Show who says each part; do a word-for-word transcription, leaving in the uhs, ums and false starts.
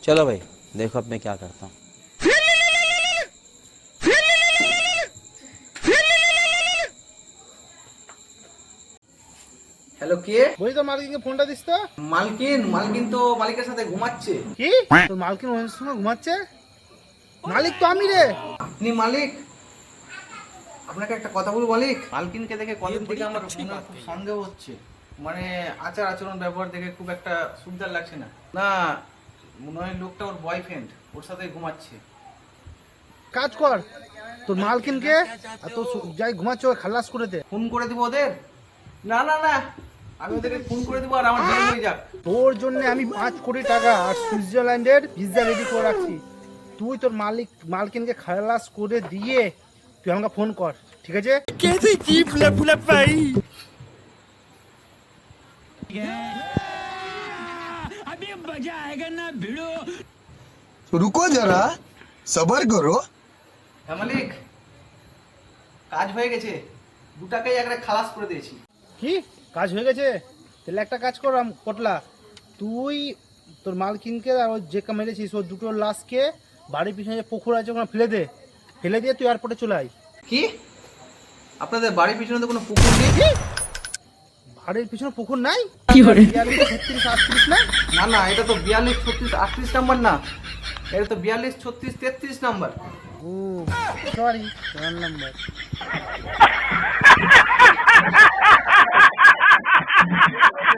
Speaker 1: चलो भाई देखो अब मैं क्या करता हूँ।
Speaker 2: হ্যালো কে?
Speaker 3: বলি তো মালকিনকে ফোনটা দিস তো।
Speaker 2: মালকিন মালকিন তো মালিকের সাথে ঘুমাচ্ছে।
Speaker 3: কি তোর মালকিন ওর সঙ্গে ঘুমাচ্ছে? মালিক তো আমি রে।
Speaker 2: আপনি মালিক? আপনাকে একটা কথা বলবো মালিক, মালকিনকে দেখে কদিন থেকে আমার মনে খুব সন্দেহ হচ্ছে, মানে আচার আচরণ ব্যবহার দেখে খুব একটা সুবিধার লাগছে না। না মনে হয় লোকটা ওর বয়ফ্রেন্ড, ওর সাথে ঘুমাচ্ছে।
Speaker 3: কাজ কর, তোর মালকিনকে আর তোর যাই ঘুমাচ্ছে ওই খালাস করে দে।
Speaker 2: ফোন করে দিব ওদের? না না না, আমি ওদেরকে ফোন করে দেবো আর আমার বিয়ে হয়ে যাক।
Speaker 3: তোর জন্য আমি পাঁচ কোটি টাকা আর সুইজারল্যান্ডের ভিসা রেডি করে রাখছি। তুই তোর মালিক মালকিনকে খালাস করে দিয়ে তুই আমাকে ফোন কর, ঠিক আছে?
Speaker 4: कैसे जीप लपलप भाई अभी मजा आएगा ना भिड़ो।
Speaker 5: रुको जरा सबर करो।
Speaker 2: হ্যাঁ মালিক, কাজ হয়ে গেছে, দু টাকায় একটা খালাস করে দিয়েছি।
Speaker 3: কি কাজ হয়ে গেছে? তাহলে একটা কাজ কর আম- পটলা, তুই তোর মালকিনকে আর ওই যে কা মেরেছিস ওর দুটো লাশকে বাড়ির পিছনে যে পুকুর আছে ওখানে ফেলে দে, ফেলে দিয়ে তুই এয়ারপোর্টে চলে আয়।
Speaker 2: কি আপনাদের বাড়ির পিছনে তো কোনো পুকুর নেই?
Speaker 3: বাড়ির পিছনে পুকুর নাই?
Speaker 4: কি করে?
Speaker 3: ছত্রিশ আটত্রিশ না?
Speaker 2: না না, এটা তো বিয়াল্লিশ ছত্রিশ আটত্রিশ নাম্বার না, এটা তো বিয়াল্লিশ ছত্রিশ তেত্রিশ নাম্বার।
Speaker 3: ও সরি, রং নাম্বার।